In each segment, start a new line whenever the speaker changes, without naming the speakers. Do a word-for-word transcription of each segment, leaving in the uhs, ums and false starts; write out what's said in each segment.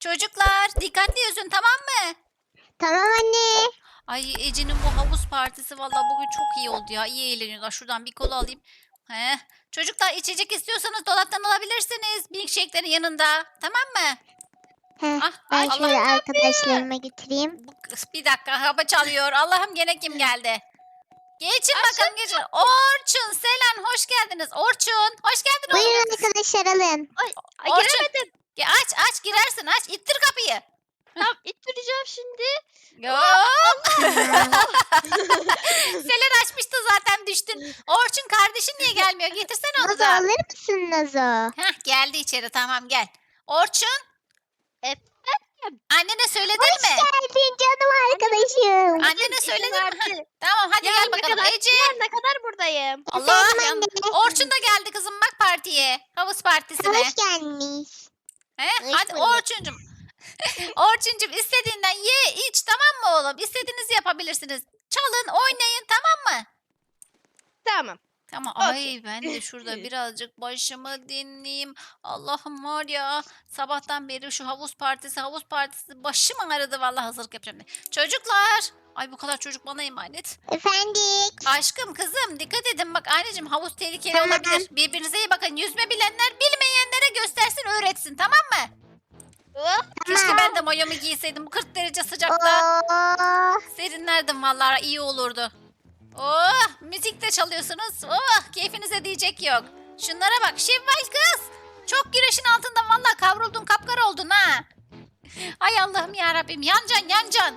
Çocuklar dikkatli yüzün, tamam mı?
Tamam anne.
Ay Ece'nin bu havuz partisi vallahi bugün çok iyi oldu ya. İyi eğleniyorlar. Şuradan bir kola alayım. Heh. Çocuklar içecek istiyorsanız dolaptan alabilirsiniz. Milkshake'lerin yanında. Tamam mı?
Heh,
Ah,
ben
Allah.
şöyle arkadaşlarıma götüreyim.
Bu kız bir dakika hava çalıyor. Allah'ım gene kim geldi? Geçin
Aşağı
bakalım geçin. Orçun, Selen hoş geldiniz. Orçun hoş geldin oğlum.
Buyurun arkadaşlar alın.
Ay, ay
Orçun.
giremedim.
Ya aç aç girersin aç. İttir kapıyı.
Tamam ittireceğim şimdi.
Hop. Selen açmıştı zaten düştün. Orçun kardeşin niye gelmiyor? Getirsene onu
Nazo
da.
alır mısın Nazo?
Heh, geldi içeri tamam gel. Orçun.
Efendim?
Annene söyledin
Hoş
mi?
geldin canım arkadaşım.
Annene
İzin
söyledin mi?
verdi.
Heh, tamam hadi gel
Yarına
bakalım.
kadar,
Ece.
yarına kadar buradayım.
Allah.
Efendim
yan-
anne.
Orçun da geldi kızım bak partiye. Havuz partisine.
Hoş gelmiş.
He?
Hoş
Hadi
bulduk.
Orçuncum. Orçuncum istediğinden ye iç tamam mı oğlum? İstediğinizi yapabilirsiniz. Çalın oynayın tamam mı?
Tamam.
Tamam.
Okey.
Ay ben de şurada birazcık başımı dinleyeyim. Allah'ım var ya sabahtan beri şu havuz partisi havuz partisi başım ağrıdı vallahi hazırlık yapacağım diye. Çocuklar. Ay bu kadar çocuk bana emanet.
Efendim.
Aşkım kızım dikkat edin bak anneciğim havuz tehlikeli
Tamam.
olabilir. Birbirinize iyi bakın. Yüzme bilenler bilmeyenlere göstersin öğretsin tamam mı?
Hop.
Keşke ben de mayomu giyseydim bu kırk derece sıcakta.
Oo.
Serinlerdim vallahi iyi olurdu. Oh müzik de çalıyorsunuz. Oh keyfinize diyecek yok. Şunlara bak Şevval kız. Çok güneşin altında vallahi kavruldun kapkara oldun ha. Ay Allah'ım ya Rabbim yancan yancan.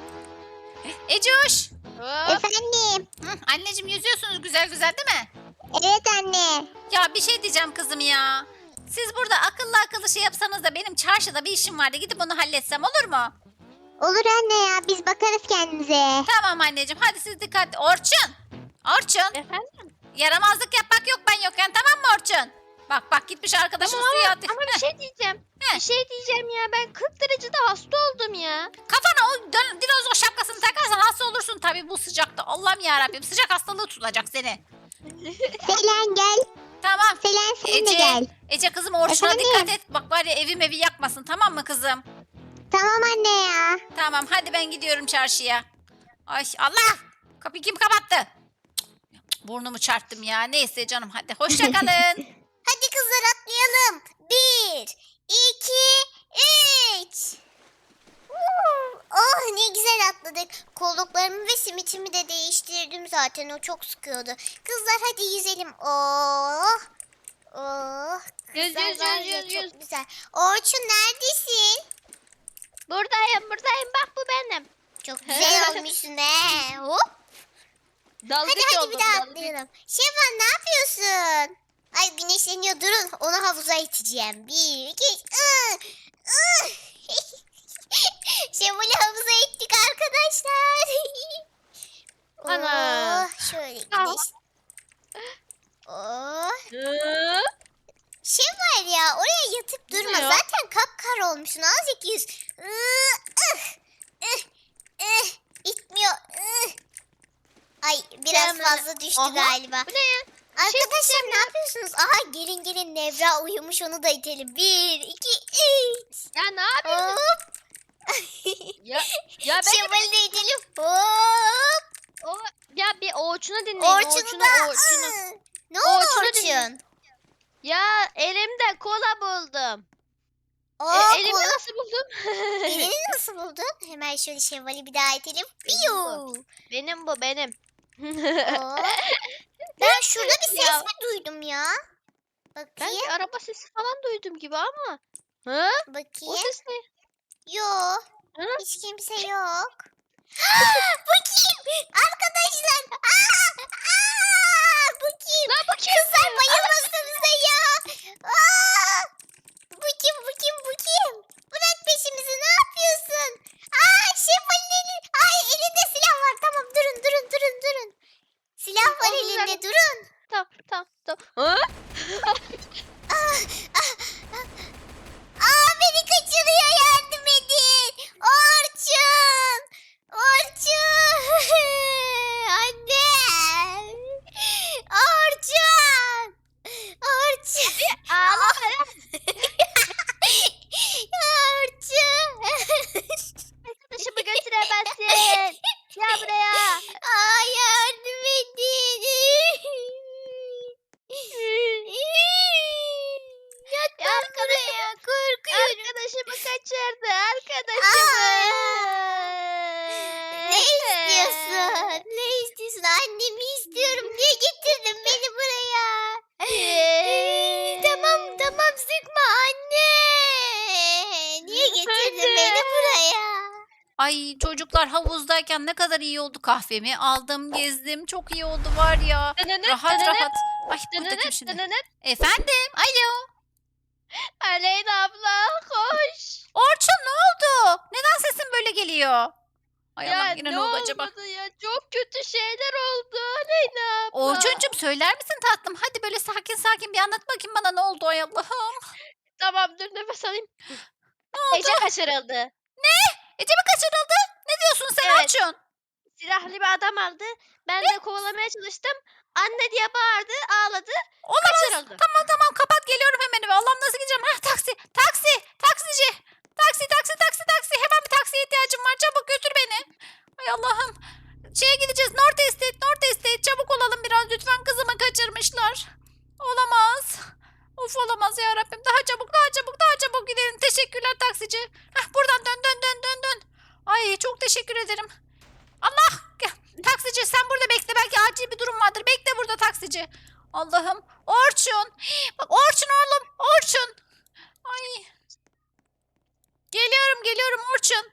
Ecoş.
Hop.
Efendim.
Hı, anneciğim yüzüyorsunuz güzel güzel değil mi?
Evet anne.
Ya bir şey diyeceğim kızım ya. Siz burada akıllı akıllı şey yapsanız da benim çarşıda bir işim vardı. Gidip onu halletsem olur mu?
Olur anne ya biz bakarız kendimize.
Tamam anneciğim hadi siz dikkatli. Orçun. Orçun.
Efendim?
Yaramazlık yapmak yok ben yokken tamam mı Orçun? Bak bak gitmiş arkadaşım
Tamam
suya
ama,
attı.
ama bir şey diyeceğim.
Heh.
Bir şey diyeceğim ya. Ben kırk derecede hasta oldum ya.
Kafana o dön- dinozor şapkasını takarsan hasta olursun tabii bu sıcakta. Allah'ım yarabbim sıcak hastalığı tutacak seni.
Selen gel.
Tamam.
Selen sen de
Ece,
gel.
Ece kızım Orçun'a
Efendim?
dikkat et. Bak var ya evim evi yakmasın tamam mı kızım?
Tamam anne ya.
Tamam hadi ben gidiyorum çarşıya. Ay Allah! Kapıyı kim kapattı? Cık, burnumu çarptım ya. Neyse canım hadi hoşça kalın.
Hadi kızlar atlayalım. Bir, iki, üç. Oh ne güzel atladık. Kolluklarımı ve simitimi de değiştirdim zaten. O çok sıkıyordu. Kızlar hadi yüzelim. Oh. Oh.
Yüz
Kızlar
yüz
var
yüz
ya,
yüz yüz.
çok güzel. Orçun neredesin?
Buradayım buradayım. Bak bu benim.
Çok güzel olmuşsun he. Hop.
Dalgıç
Hadi hadi
oldum.
bir daha
dalgıç.
atlayalım. Şevval ne yapıyorsun? Ay güneşleniyor durun. Onu havuza iteceğim. Bir, iki, ıı, ıı. Şevval'i havuza ittik arkadaşlar.
Ana.
Oh, şöyle
Aa.
güneş. Oh.
Hı?
Şevval ya oraya yatıp
Ne
durma.
ya?
Zaten kapkar olmuşsun. Azıcık yüz. Iı, ıh, ıh, ıh. İtmiyor. Ih. Ay biraz
Hemen-
fazla düştü
Aha.
galiba.
Bu ne ya?
Arkadaşlar ne yapıyorsunuz? Aha gelin gelin Nevra uyumuş onu da itelim. Bir, iki, üç.
Ya ne yapıyorsun?
Hop.
Ya, ya ben
Şevval'i de itelim. Hop.
o, ya bir Orçun'u dinleyin.
Orçun'u
Orçun'u,
da.
Orçun'u.
ıı. Ne oldu
Orçun'u
Orçun?
dinle. Ya elimde kola buldum.
Aa,
e, elimi
kola-
nasıl buldum?
Elini nasıl buldun? Hemen şöyle Şevval'i bir daha itelim. Piyu.
Benim bu benim.
Hop. Ben şurada bir ses
Ya.
mi duydum ya?
Ben
Bakayım.
bir araba sesi falan duydum gibi ama. Hı? O
Bakayım.
ses ne?
Yok.
Hı?
Hiç kimse yok. Bu kim? Arkadaşlar. Aa, aa, bu kim?
Lan bu kim?
Kızlar bayılmasanıza ya. Aa, bu kim? Bu kim? Bu kim? Bırak peşimizi. Ne yapıyorsun? Aa, Şevval'in eli. Ay elinde silah var. Tamam durun durun durun durun. Silah var
Oğlum,
elinde
ben-
durun.
Tamam tamam tamam. Hı?
Aa beni kaçırıyor yardım edin. Orçun. Orçun.
kaçırdı arkadaşımı.
Ne istiyorsun? Ne istiyorsun? Annemi istiyorum. Niye getirdin beni buraya? Ee, tamam tamam sıkma anne. Niye getirdin
Anne.
beni buraya?
Ay çocuklar havuzdayken ne kadar iyi oldu, kahvemi aldım, gezdim, çok iyi oldu var ya.
Dınınıt,
Rahat
dınınıt,
rahat. Ay burada kim
dınınıt,
şimdi?
dınınıt.
Efendim? Alo.
Aleyna abla koş.
Orçun ne oldu? Neden sesin böyle geliyor? Ay
Ya
Allah'ım yine
ne
ne oldu acaba?
olmadı ya? Çok kötü şeyler oldu Aleyna abla.
Orçuncum söyler misin tatlım? Hadi böyle sakin sakin bir anlat bakayım bana ne oldu ay Allah'ım.
Tamam dur nefes alayım.
Ne oldu?
Ece kaçırıldı.
Ece mi kaçırıldı? Ne diyorsun sen
Evet.
Orçun?
Silahlı bir adam aldı. Ben de kovalamaya çalıştım. Anne diye bağırdı, ağladı.
Olamaz.
Kaçırıldı.
Tamam tamam kapat geliyorum hemen eve. Allah'ım nasıl gideceğim? Hah taksi. Taksi. Taksici. Taksi taksi taksi taksi. Hemen bir taksiye ihtiyacım var. Çabuk götür beni. Ay Allah'ım. Şeye gideceğiz. North Estate. North Estate. Çabuk olalım biraz lütfen. Kızımı kaçırmışlar. Olamaz. Of olamaz ya Rabbim. Daha çabuk daha çabuk daha çabuk gidelim. Teşekkürler taksici. Hah buradan dön dön dön dön dön. Ay çok teşekkür ederim. Allah. Taksici sen burada bekle. Belki acil bir durum vardır. Bekle burada taksici. Allah'ım. Orçun. Bak Orçun oğlum. Orçun. Ay. Geliyorum geliyorum Orçun.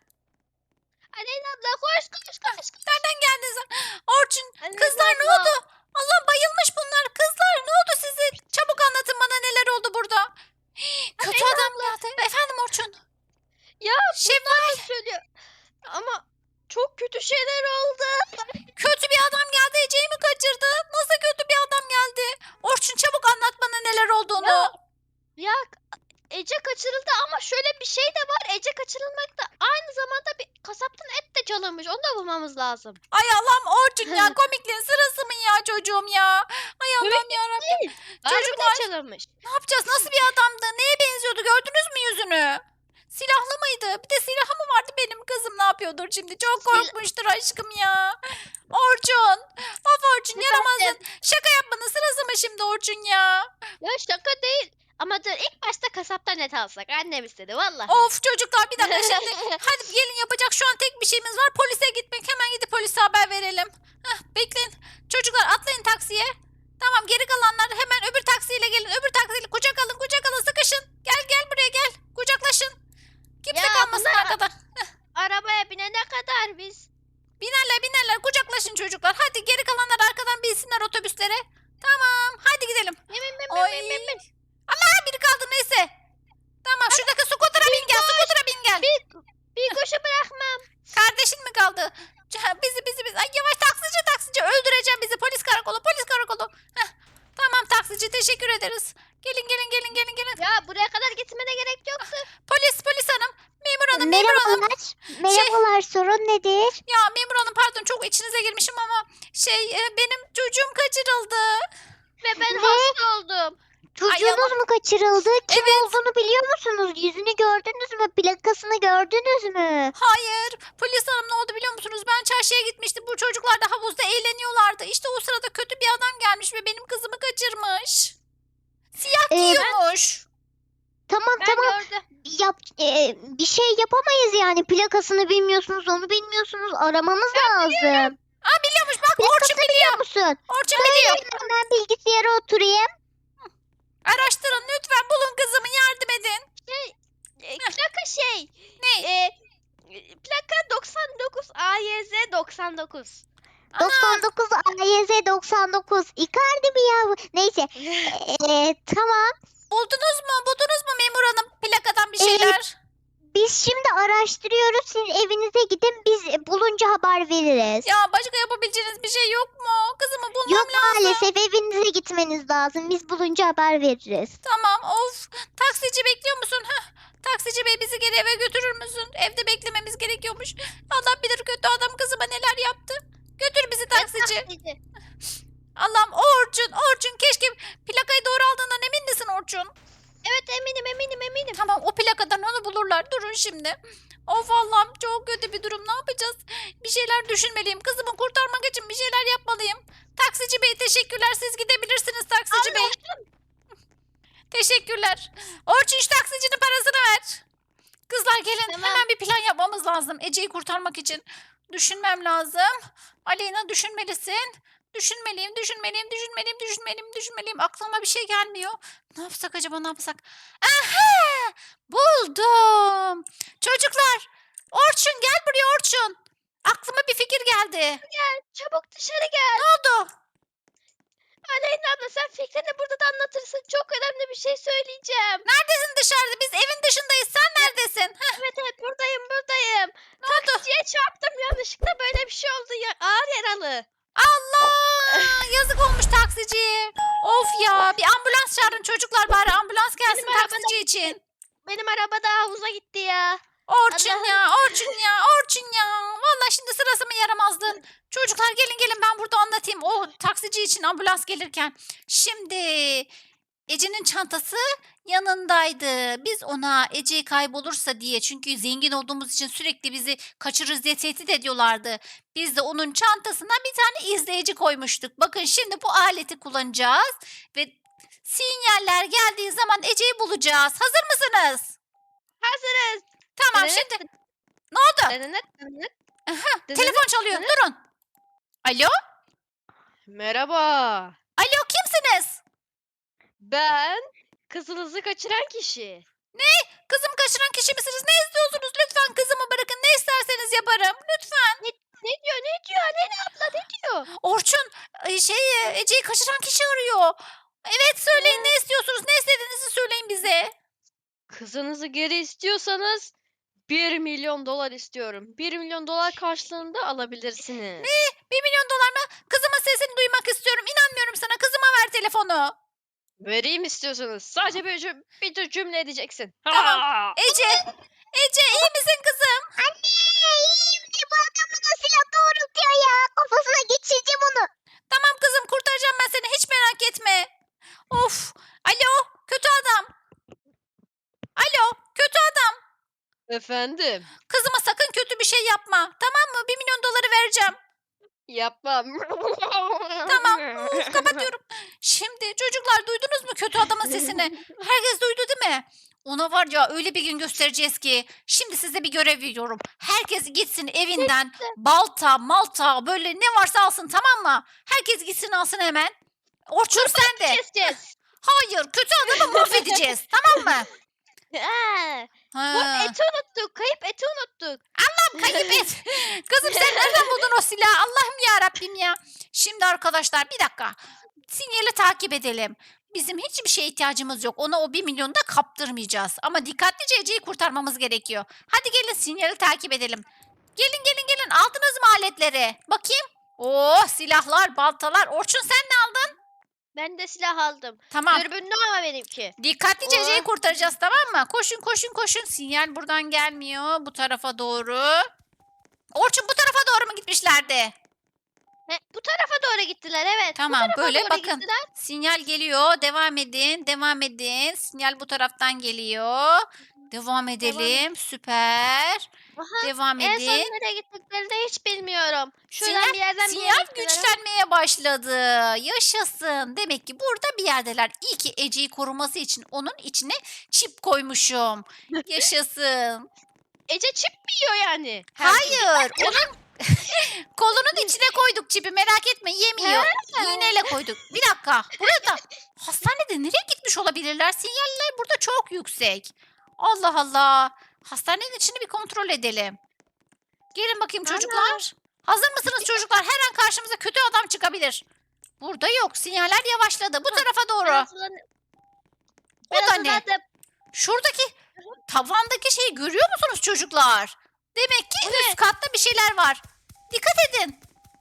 Aleyna abla koş koş koş. koş.
Nereden geldin sen? Orçun.
Aleyna
Kızlar ne
abla.
oldu? Allah bayılmış bunlar. Kızlar ne oldu size? Çabuk anlatın bana neler oldu burada. Kötü
Aleyna
adam geldi. Efendim Orçun.
Ya
Şevval.
bunlar söylüyor. Ama çok kötü şeyler oldu.
Kötü bir adam geldi. Ece'yi mi kaçırdı? Nasıl kötü bir adam geldi? Orçun çabuk anlat bana neler olduğunu.
Ya, ya Ece kaçırıldı ama şöyle bir şey de var. Ece kaçırılmakta aynı zamanda bir kasaptan et de çalınmış. Onu da bulmamız lazım.
Ay Allah'ım Orçun ya komikliğin sırası mı ya çocuğum ya? Ay Allah'ım yarabbim.
Çocuklar
Çocuklar
çalınmış.
ne yapacağız? Nasıl bir adamdı? Neye benziyordu? Gördünüz mü yüzünü? Silahlı mıydı? Bir de silahı mı vardı benim kızım ne yapıyordur şimdi? Çok
Sil-
korkmuştur aşkım ya. Orçun. Of Orçun
Efendim?
yaramazsın. Şaka yapmanın sırası mı şimdi Orçun ya?
Ya şaka değil. Ama dur ilk başta kasaptan et alsak. Annem istedi vallahi.
Of çocuklar bir dakika şimdi. Hadi gelin yapacak şu an tek bir şeyimiz var. Polise gitmek. Hemen gidip polise haber verelim. Heh, bekleyin. Çocuklar atlayın taksiye. Tamam geri kalanlar hemen öbür taksiyle gelin. Öbür taksiyle kucak alın kucak alın sıkışın. Gel gel buraya gel. Kucaklaşın. Kimse
Ya
kalmasın
bunlar-
arkada.
Arabaya binene kadar biz.
Binerler binerler kucaklaşın çocuklar. Hadi geri kalanlar arkadan binsinler otobüslere. Tamam hadi gidelim.
Yemin min
Ay.
min min min.
Allah biri kaldı neyse. Tamam şuradaki skutera bin gel. Skutera bin gel.
Bir, bir koşu bırakmam.
Kardeşin mi kaldı? Ca- Bizi bizi bizi. Ay yavaş taksici taksici öldüreceğim bizi. Polis karakolu polis karakolu. Heh. Tamam taksici teşekkür ederiz. Gelin gelin gelin gelin gelin.
Ya buraya kadar gitmene gerek yoktu.
Polis polis hanım. Memur hanım memur hanım.
Merhabalar. Merhabalar sorun nedir?
Ya memur hanım pardon çok içinize girmişim ama şey e, benim çocuğum kaçırıldı.
Ve ben
Ne?
hasta oldum.
Çocuğunuz mu kaçırıldı? Kim
Evet.
olduğunu biliyor musunuz? Yüzünü gördünüz mü? Plakasını gördünüz mü?
Hayır. Polis hanım ne oldu biliyor musunuz? Ben çarşıya gitmiştim. Bu çocuklar da havuzda eğleniyorlardı. İşte o sırada kötü bir adam gelmiş ve benim kızımı kaçırmış. Siyah
Ee,
giyiyormuş.
Tamam
Ben
tamam.
gördüm.
Yap, e, bir şey yapamayız yani. Plakasını bilmiyorsunuz, onu bilmiyorsunuz. Aramamız lazım.
Aa biliyormuş bak Orçun
Plakasını
biliyor.
biliyor musun?
Orçun biliyor.
Söyleyin ben bilgisayara oturayım.
Araştırın lütfen bulun kızımı yardım edin.
E, plaka şey.
Ne?
E, plaka doksan dokuz A Y Z doksan dokuz.
Ana.
doksan dokuz A Y Z doksan dokuz. Icardi mi ya bu? Neyse. E, tamam.
Buldunuz mu? Buldunuz mu memur hanım plakadan bir
Evet.
şeyler?
Biz şimdi araştırıyoruz. Siz evinize gidin. Biz bulunca haber veririz.
Ya başka yapabileceğiniz bir şey yok mu? Kızımı bulmam
Yok
lazım.
maalesef evinize gitmeniz lazım. Biz bulunca haber veririz.
Tamam of. Taksici bekliyor musun? Heh. Taksici bey bizi geri eve götürür müsün? Evde beklememiz gerekiyormuş. Allah bilir kötü adam kızıma neler yaptı. Götür bizi taksici. Allah'ım Orçun Orçun keşke plakayı doğru aldığından emin misin Orçun?
Evet eminim eminim eminim.
Tamam o plakadan onu bulurlar. Durun şimdi. Of Allah'ım çok kötü bir durum. Ne yapacağız? Bir şeyler düşünmeliyim. Kızımı kurtarmak için bir şeyler yapmalıyım. Taksici bey teşekkürler. Siz gidebilirsiniz taksici bey. Teşekkürler. Orçun şu taksicinin parasını ver. Kızlar Çocuklar gelin
Tamam.
hemen bir plan yapmamız lazım. Ece'yi kurtarmak için. Düşünmem lazım. Aleyna düşünmelisin. Düşünmeliyim, düşünmeliyim, düşünmeliyim, düşünmeliyim, düşünmeliyim. Aklıma bir şey gelmiyor. Ne yapsak acaba, ne yapsak? Aha! Buldum. Çocuklar, Orçun gel buraya Orçun. Aklıma bir fikir geldi.
Çabuk dışarı gel.
Ne oldu?
Aleyna abla sen fikrini burada da anlatırsın. Çok önemli bir şey söyleyeceğim.
Neredesin dışarıda? Biz evin dışındayız. Sen neredesin? Heh,
Evet evet buradayım buradayım.
ne oldu?
Taksiciye çarptım yanlışlıkla böyle bir şey oldu. Ya, ağır yaralı.
Allah! Yazık olmuş taksiciye. Of ya. Bir ambulans çağırın çocuklar bari. Ambulans gelsin
Benim arabada
taksici için.
Benim araba da havuza gitti ya.
Orçun
Allah'ım.
ya, Orçun ya, Orçun ya. Vallahi şimdi sırası mı yaramazdı? Çocuklar gelin gelin ben burada anlatayım. O taksici için ambulans gelirken. Şimdi Ece'nin çantası yanındaydı. Biz ona Ece kaybolursa diye, çünkü zengin olduğumuz için sürekli bizi kaçırırız diye tehdit ediyorlardı. Biz de onun çantasına bir tane izleyici koymuştuk. Bakın şimdi bu aleti kullanacağız ve sinyaller geldiği zaman Ece'yi bulacağız. Hazır mısınız?
Hazırız.
Tamam
Evet.
şimdi ne oldu?
Dınınıt, dınınıt,
Aha,
dınınıt.
telefon çalıyor. Durun. Alo?
Merhaba.
Alo kimsiniz?
Ben kızınızı kaçıran kişi.
Kızımı kaçıran kişi misiniz? Ne istiyorsunuz? Lütfen kızımı bırakın. Ne isterseniz yaparım. Lütfen.
Ne diyor ne diyor Aleyna abla ne diyor?
Orçun e, şey e, Ece'yi kaçıran kişi arıyor. Evet söyleyin ne istiyorsunuz? Ne istediğinizi söyleyin bize.
Kızınızı geri istiyorsanız bir milyon dolar istiyorum. bir milyon dolar karşılığında alabilirsiniz.
Bir milyon dolar mı? Kızımın sesini duymak istiyorum. İnanmıyorum sana. Kızıma ver telefonu.
Vereyim istiyorsanız. Sadece bir, cüm- bir tür cümle edeceksin.
Tamam.
Ha!
Ece. Ece iyi misin kızım?
Anne iyiyim de bu adam bana silah doğrultuyor ya. Kafasına geçireceğim onu.
Tamam kızım kurtaracağım ben seni. Hiç merak etme. Of. Alo kötü adam. Alo kötü adam.
Efendim.
Kızıma sakın kötü bir şey yapma. Tamam mı? Bir milyon doları vereceğim.
Yapmam.
Tamam. Uf, kapatıyorum. Şimdi çocuklar duydunuz mu kötü adamın sesini? Herkes duydu değil mi? Ona var ya öyle bir gün göstereceğiz ki. Şimdi size bir görev veriyorum. Herkes gitsin evinden balta, malta böyle ne varsa alsın tamam mı? Herkes gitsin alsın hemen. Orçun sen de.
Keseceğiz.
Hayır kötü adamı mahvedeceğiz tamam mı?
Ha, Bu
Ha.
eti unuttuk. Kayıp eti unuttuk.
Kayıp et. Kızım sen nereden buldun o silahı? Allah'ım ya Rabbim ya. Şimdi arkadaşlar bir dakika. Sinyali takip edelim. Bizim hiçbir şeye ihtiyacımız yok. Ona o bir milyonu da kaptırmayacağız. Ama dikkatlice Ece'yi kurtarmamız gerekiyor. Hadi gelin sinyali takip edelim. Gelin gelin gelin. Aldınız mı aletleri? Bakayım. Oh silahlar, baltalar. Orçun sen ne aldın?
Ben de silah aldım.
Tamam.
Dürbünlü ama benimki.
Dikkatlice Ece'yi
Oh.
kurtaracağız tamam mı? Koşun koşun koşun. Sinyal buradan gelmiyor. Bu tarafa doğru. Orçun bu tarafa doğru mu gitmişlerdi?
He, bu tarafa doğru gittiler evet.
Tamam
bu tarafa
böyle
doğru
bakın.
Gittiler.
Sinyal geliyor. Devam edin. Devam edin. Sinyal bu taraftan geliyor. Devam edelim. Süper.
Aha,
Devam
en son
edin.
nereye gittiklerini de hiç bilmiyorum. Şuradan
Sinyal,
bir yerden bir yere
sinyal
gittiler ama-
güçlenmeye başladı. Yaşasın. Demek ki burada bir yerdeler. İyi ki Ece'yi koruması için onun içine çip koymuşum. Yaşasın.
Ece çip mi yiyor yani? Her gün?
Hayır. Onun kolunun içine koyduk çipi. Merak etme yemiyor. İğneyle koyduk. Bir dakika. Burada hastanede nereye gitmiş olabilirler? Sinyaller burada çok yüksek. Allah Allah. Hastanenin içini bir kontrol edelim. Gelin bakayım
Ana.
çocuklar. Hazır mısınız çocuklar? Her an karşımıza kötü adam çıkabilir. Burada yok. Sinyaller yavaşladı. Bu tarafa
Ben
doğru.
hazırlan-
O
ben
da ne?
hazırlandım.
Şuradaki tavandaki şeyi görüyor musunuz çocuklar? Demek ki üst katta bir şeyler var. Dikkat edin.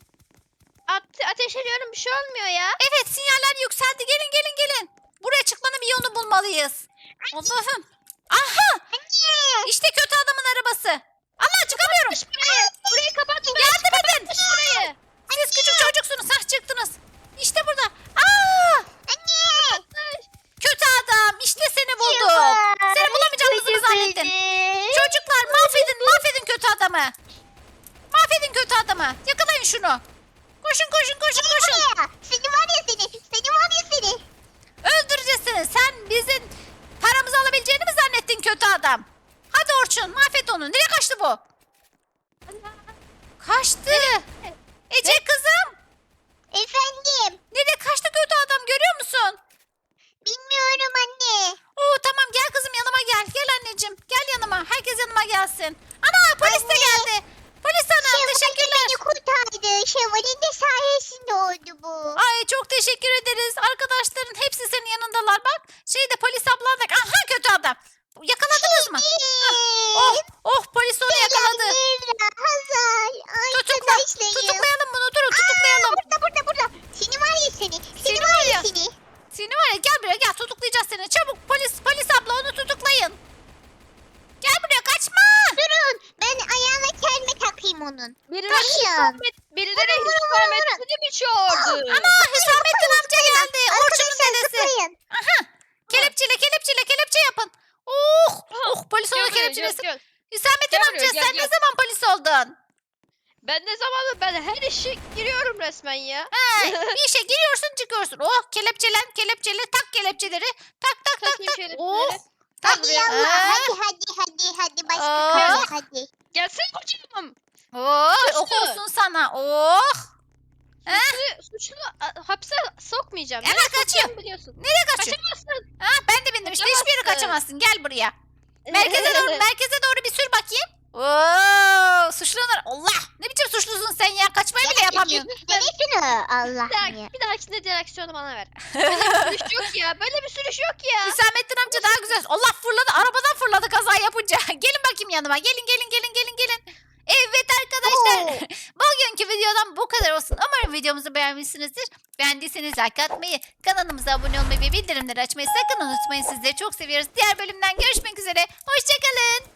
Ate- ateş ediyorum bir şey olmuyor ya.
Evet sinyaller yükseldi. Gelin gelin gelin. Buraya çıkmanın bir yolunu bulmalıyız. Allah'ım. Aha
Anne.
işte kötü adamın arabası. Allah çıkamıyorum.
Kapatmış burayı. Burayı kapatmış.
Yardım edin.
Kapatmış burayı.
Siz küçük çocuksunuz. Hah çıktınız. İşte burada. Aa,
Anne.
kötü adam. İşte seni bulduk. Seni bulamayacağımızı mı zannettin? Çocuklar mahvedin mahvedin kötü adamı. Mahvedin kötü adamı. Yakalayın şunu. Koşun koşun koşun koşun.
Buraya. Seni var ya seni. Seni var ya seni.
Öldüreceğiz seni. Sen bizim paramızı alabileceğini mi zannettin kötü adam? Hadi Gitti Orçun. Mahvet onu. Nereye kaçtı bu? Kaçtı. Ece kızım.
Efendim.
Nereye kaçtı kötü adam görüyor musun?
Bilmiyorum anne.
Oo tamam gel kızım yanıma gel. Gel anneciğim. Gel yanıma. Herkes yanıma gelsin. Ana polis de
Anne.
geldi. Polis hanım
Şevval'in
teşekkürler.
beni kurtardı. Şevval'in de sayesinde oldu bu.
Ay çok teşekkür ederiz. Arkadaşların hepsi senin yanındalar bak. Şeyde polis ablan da. Aha kötü adam. Yakaladınız mı? Oh oh polis onu yakaladı.
Nevra, Hazal,
Tutukla.
arkadaşlarım.
Tutuklayalım bunu durun tutuklayalım.
Burada burada burada. Seni var ya seni. Seni,
Seni
var
var
ya
ya.
seni.
Seni var ya gel buraya gel tutuklayacağız seni. Çabuk polis polis abla onu tutuklayın. Gel buraya kaçma.
Durun. Ben ayağına kelme takayım onun.
Birileri
Taşın.
Hüsamet, birileri
Vurun, vurun, vurun,
Hüsamettin'i mi çağırdı?
Ana Hüsamettin amca geldi. Orçun'un
Arkadaşlar
dedesi.
zıplayın.
Kelepçele kelepçele kelepçe yapın. Oh oh polis onu
Gel buraya, gel,
kelepçelesin.
gel.
Hüsamettin
Gel
amca
buraya, gel,
sen
gel.
ne zaman polis oldun?
Ben ne zamandır ben her işe giriyorum resmen ya.
He, bir işe giriyorsun çıkıyorsun. Oh kelepçelen kelepçele tak kelepçeleri. Tak tak tak
Takayım
tak.
şöyle.
Oh.
Hadi
buraya.
yallah.
Ee?
Hadi hadi hadi hadi. Başka
Aa.
kapıya hadi.
Gelsin kocam.
Oh
Suçlu.
okulsun sana. Oh.
Suçlu, suçlu a- hapse sokmayacağım.
Hemen
Nereye
kaçıyor.
sokacağımı biliyorsun.
Nereye kaçıyorsun?
Kaçamazsın.
Ha, ben de bindim işte hiçbir yere kaçamazsın. Gel buraya. Merkeze doğru merkeze doğru bir sür bakayım. Oo, suçlular. Allah ne biçim suçlusun sen ya kaçmayı bile yapamıyorsun.
Neresini Allah
Bir,
ya.
dahaki, bir dahakine direksiyonu bana ver. Böyle bir sürüş yok ya. Böyle bir sürüş yok ya.
Hüsamettin amca daha güzel. Allah fırladı arabadan fırladı kaza yapınca. Gelin bakayım yanıma gelin gelin gelin gelin gelin. Evet arkadaşlar bugünkü videodan bu kadar olsun. Umarım videomuzu beğenmişsinizdir. Beğendiyseniz like atmayı, kanalımıza abone olmayı ve bildirimleri açmayı sakın unutmayın. Sizleri çok seviyoruz. Diğer bölümden görüşmek üzere. Hoşçakalın.